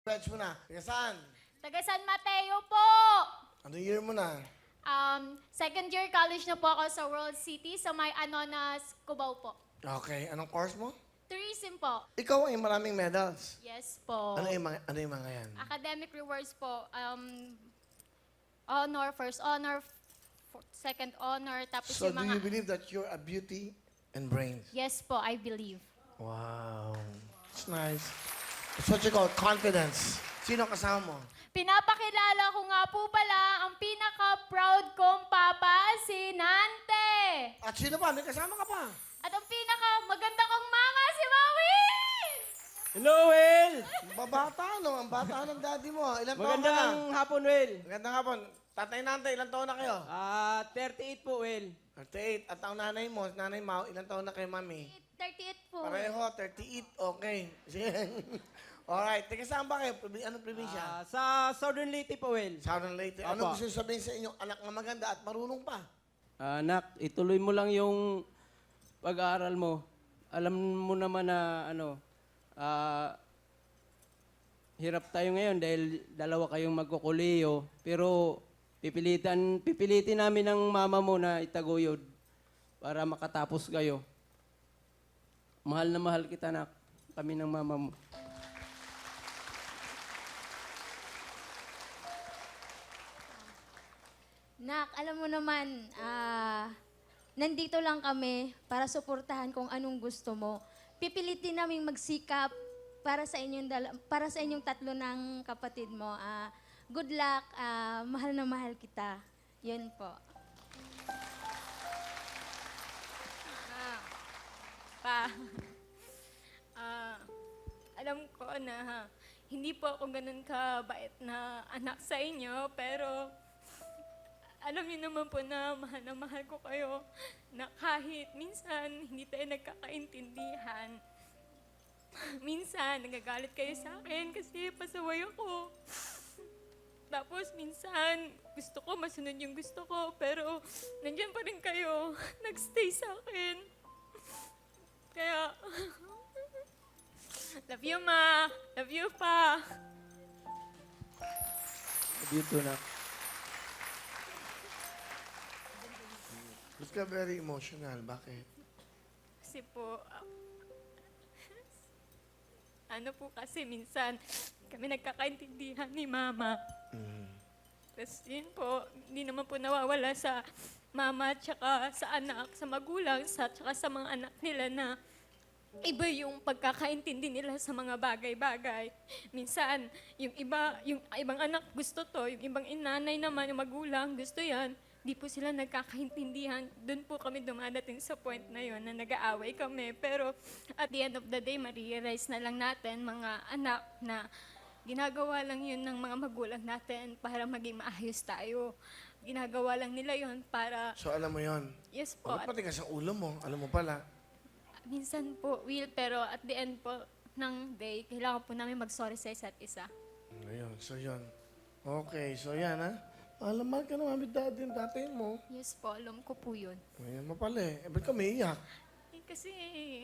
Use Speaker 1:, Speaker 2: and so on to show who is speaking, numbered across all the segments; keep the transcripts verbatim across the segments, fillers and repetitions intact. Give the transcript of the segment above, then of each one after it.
Speaker 1: Batch mo na. Taga saan?
Speaker 2: Taga San Mateo po.
Speaker 1: Ano year mo na?
Speaker 2: Um, second year college na po ako sa World City sa may Anonas, Cubao po.
Speaker 1: Okay. Anong course mo?
Speaker 2: Tourism po.
Speaker 1: Ikaw ay maraming medals.
Speaker 2: Yes po.
Speaker 1: Ano yung mga, ano yung mga yan?
Speaker 2: Academic rewards po. Um, honor, first honor, f- second honor, tapos
Speaker 1: So
Speaker 2: yung
Speaker 1: do
Speaker 2: mga...
Speaker 1: you believe that you're a beauty and brains?
Speaker 2: Yes po, I believe.
Speaker 1: Wow. It's nice. It's what you call confidence. Sino ang kasama mo?
Speaker 2: Pinapakilala ko nga po pala ang pinaka-proud kong papa, si Nante.
Speaker 1: At sino pa? May kasama ka pa.
Speaker 2: At ang pinaka-maganda kong mama, si Maui!
Speaker 3: Hello, Will!
Speaker 1: Ang babata, no? Ang bata ng daddy mo. Ilan taon ka na?
Speaker 3: Magandang hapon, Will.
Speaker 1: Magandang hapon. Tatay Nante, ilan taon na kayo?
Speaker 3: Ah, thirty-eight po, Will.
Speaker 1: thirty-eight. At ang nanay mo, nanay Mau, ilan taon na kay mami?
Speaker 2: thirty-eight po.
Speaker 1: Pareho, thirty-eight. Okay. Sige. Alright. Teka, saan ba kayo? Probi- Anong probinsya?
Speaker 3: Ah, sa Southern Leyte po, Will.
Speaker 1: Southern Leyte. Ano
Speaker 3: Apo.
Speaker 1: gusto nyo sabihin sa inyong anak na maganda at marunong pa?
Speaker 3: Ah, anak, ituloy mo lang yung pag-aaral mo. Alam mo naman na, ano, ah, hirap tayo ngayon dahil dalawa kayong magkukuliyo. Pero pipilitan, pipilitin namin ng mama mo na itaguyod para makatapos kayo. Mahal na mahal kita, anak. Kami ng mama mo.
Speaker 4: Nak, alam mo naman, ah, nandito lang kami para suportahan kung anong gusto mo. Pipilitin namin magsikap para sa inyong dala- para sa inyong tatlo ng kapatid mo. Ah, good luck, ah, mahal na mahal kita. Yun po.
Speaker 5: Pa, ah, alam ko na ha, hindi po ako ganun kabait na anak sa inyo, pero alam niyo naman po na mahal na mahal ko kayo, na kahit minsan hindi tayo nagkakaintindihan. Minsan nagagalit kayo sa akin kasi pasaway ako. Tapos minsan gusto ko masunod yung gusto ko, pero nandyan pa rin kayo, nagstay sa akin. Kaya, love you, Ma. Love you, Pa.
Speaker 3: Love you too, anak.
Speaker 1: Ba't ka very emotional? Bakit?
Speaker 5: Kasi po, ah, ano po kasi minsan, kami nagkakaintindihan ni Mama. Tapos yun po, hindi naman po nawawala sa mama tsaka sa anak, sa magulang, sa, tsaka sa mga anak nila na iba yung pagkakaintindi nila sa mga bagay-bagay. Minsan, yung iba, yung ibang anak gusto to, yung ibang inanay naman, yung magulang gusto yan, di po sila nagkakaintindihan. Doon po kami dumadating sa point na yon na nag-aaway kami. Pero at the end of the day, ma-realize na lang natin, mga anak, na ginagawa lang yun ng mga magulang natin para maging maayos tayo. Ginagawa lang nila yun para,
Speaker 1: So alam mo yon.
Speaker 5: yes po,
Speaker 1: Bakit
Speaker 5: at
Speaker 1: pati ka sa ulo mo? Alam mo pala.
Speaker 5: minsan po, Will, pero at the end po ng day, kailangan po namin mag-sorry sa isa't isa.
Speaker 1: Ayun, so yun. Okay, so yan ha. Alam mahal ka naman with daddy and tatay mo.
Speaker 5: Yes po, alam ko po yun.
Speaker 1: Ayan mo pala eh. Eh, ba't ka may iyak?
Speaker 5: Eh, kasi,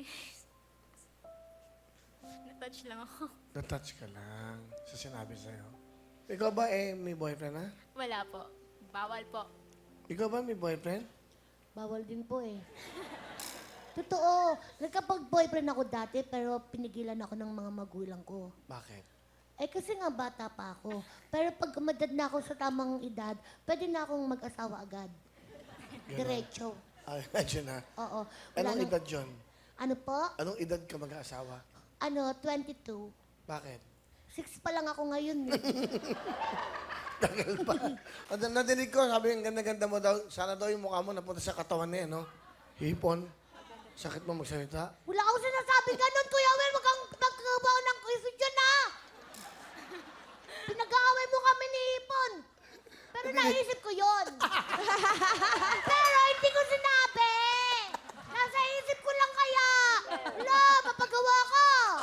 Speaker 5: na-touch lang ako.
Speaker 1: Na-touch ka lang sa sinabi sa'yo. Ikaw ba eh may boyfriend ha?
Speaker 5: Wala po. Bawal po.
Speaker 1: Ikaw ba may boyfriend?
Speaker 6: Bawal din po eh. Totoo. Nagkapag-boyfriend ako dati pero pinigilan ako ng mga magulang ko.
Speaker 1: Bakit?
Speaker 6: Eh kasi nga bata pa ako. Pero pag umadad na ako sa tamang edad, pwede na akong mag-asawa agad. Diretso.
Speaker 1: Ay, medyo na.
Speaker 6: Oo. Wala
Speaker 1: Anong
Speaker 6: nang-
Speaker 1: edad yun?
Speaker 6: Ano po?
Speaker 1: Anong edad ka mag-aasawa?
Speaker 6: Ano, twenty-two.
Speaker 1: Bakit?
Speaker 6: Six pa lang ako ngayon. eh.
Speaker 1: Tagal pa. At nadinig ko, sabi ang ganda-ganda mo daw, sana daw yung mukha mo napunta sa katawan niya, no? Hipon. Sakit mo magsalita.
Speaker 6: Wala akong sinasabi ganun, Kuya Will. Wag kang magkabaw ng isip dyan, ha? Pinag-aaway mo kami ni Hipon. Pero naisip ko yon. Pero hindi ko sinabi. Nasa isip ko lang kaya. Wala, papagawa ko.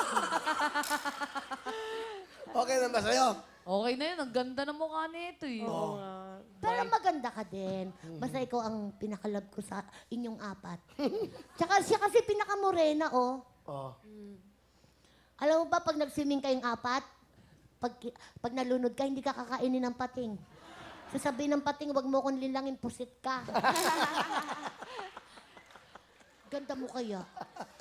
Speaker 1: Okay na ba sa'yo?
Speaker 7: Okay na yun. Ang ganda ng mukha nito eh.
Speaker 1: Oo.
Speaker 6: Pero maganda ka din. Basta ikaw ang pinakalab ko sa inyong apat. Tsaka siya kasi pinakamorena, oh.
Speaker 1: Oh.
Speaker 6: Alam mo ba, pag nag-swimming kayong apat, pag, pag nalunod ka, hindi ka kakainin ng pating. Sasabihin ng pating, wag mo akong lilangin, pusit ka. Ganda mo kaya.